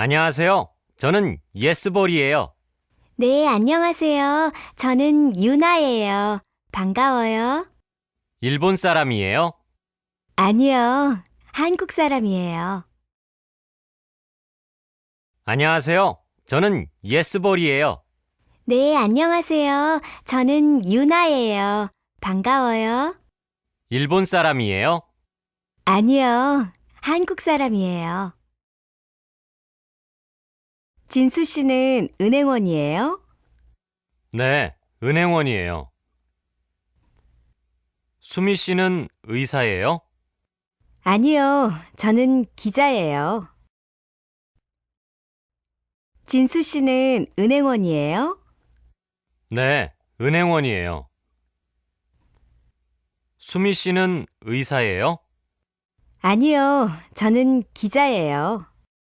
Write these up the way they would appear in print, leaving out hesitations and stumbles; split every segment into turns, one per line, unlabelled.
안녕하세요. 저는 예스볼이에요.
네, 안녕하세요. 저는 유나예요. 반가워요.
일본 사람이에요.
아니요, 한국 사람이에요.
안녕하세요. 저는 예스볼이에요.
네, 안녕하세요. 저는 유나예요. 반가워요.
일본 사람이에요.
아니요, 한국 사람이에요. 진수 씨는 은행원이에요?
네, 은행원이에요. 수미 씨는 의사예요.
아니요, 저는 기자예요. 진수 씨는 은행원이에요?
네, 은행원이에요. 수미 씨는 의사예요.
아니요, 저는 기자예요.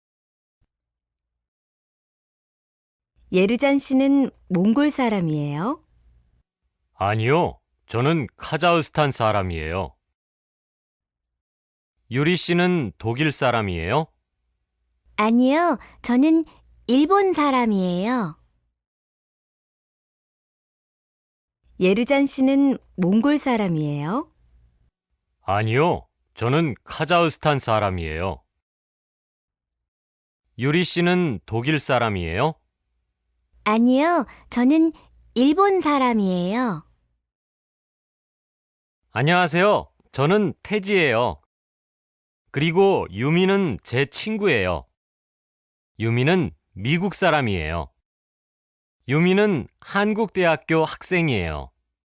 예르잔 씨는 몽골 사람이에요?
아니요, 저는 카자흐스탄 사람이에요. 유리 씨는 독일 사람이에요.
아니요, 저는 일본 사람이에요. 예르잔 씨는 몽골 사람이에요?
아니요, 저는 카자흐스탄 사람이에요. 유리 씨는 독일 사람이에요.
아니요, 저는 일본 사람이에요.
안녕하세요. 저는 태지예요. 그리고 유미는 제 친구예요. 유미는 미국 사람이에요. 유미는 한국대학교 학생이에요.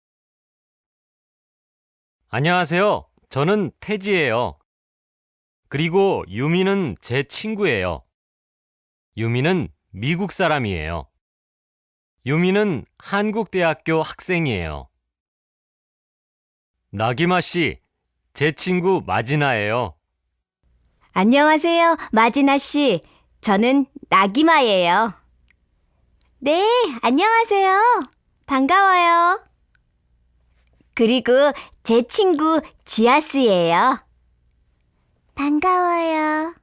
안녕하세요. 저는 태지예요. 그리고 유미는 제 친구예요. 유미는 미국 사람이에요. 유미는 한국대학교 학생이에요. 나기마 씨, 제 친구 마지나예요.
안녕하세요, 마지나 씨. 저는 나기마예요. 네, 안녕하세요. 반가워요. 그리고 제 친구 지아스예요. 반가워요.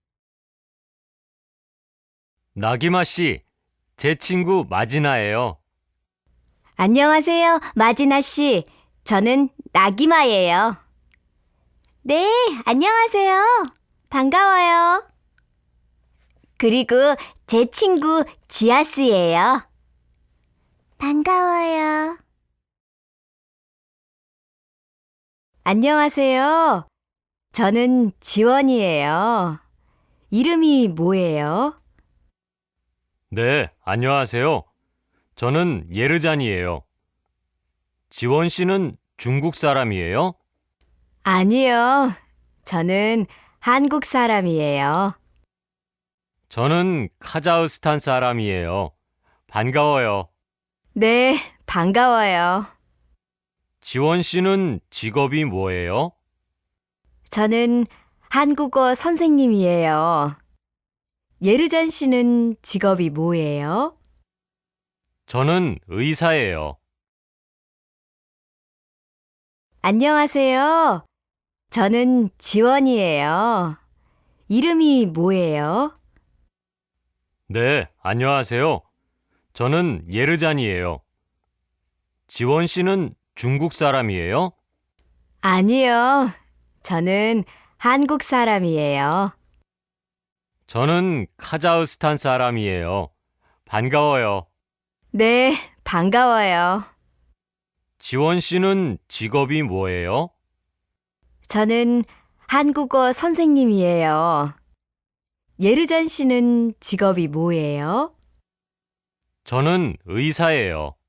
나기마 씨, 제 친구 마지나예요.
안녕하세요, 마지나 씨. 저는 나기마예요. 네, 안녕하세요. 반가워요. 그리고 제 친구 지아스예요. 반가워요. 안녕하세요. 저는 지원이에요. 이름이 뭐예요?
네, 안녕하세요. 저는 예르잔이에요. 지원 씨는 중국 사람이에요?
아니요. 저는 한국 사람이에요.
저는 카자흐스탄 사람이에요. 반가워요.
네, 반가워요.
지원 씨는 직업이 뭐예요?
저는 한국어 선생님이에요. 예르잔 씨는 직업이 뭐예요?
저는 의사예요.
안녕하세요. 저는 지원이에요. 이름이 뭐예요?
네, 안녕하세요. 저는 예르잔이에요. 지원 씨는 중국 사람이에요?
아니요. 저는 한국 사람이에요.
저는 카자흐스탄 사람이에요. 반가워요.
네, 반가워요.
지원 씨는 직업이 뭐예요?
저는 한국어 선생님이에요. 예르잔 씨는 직업이 뭐예요?
저는 의사예요.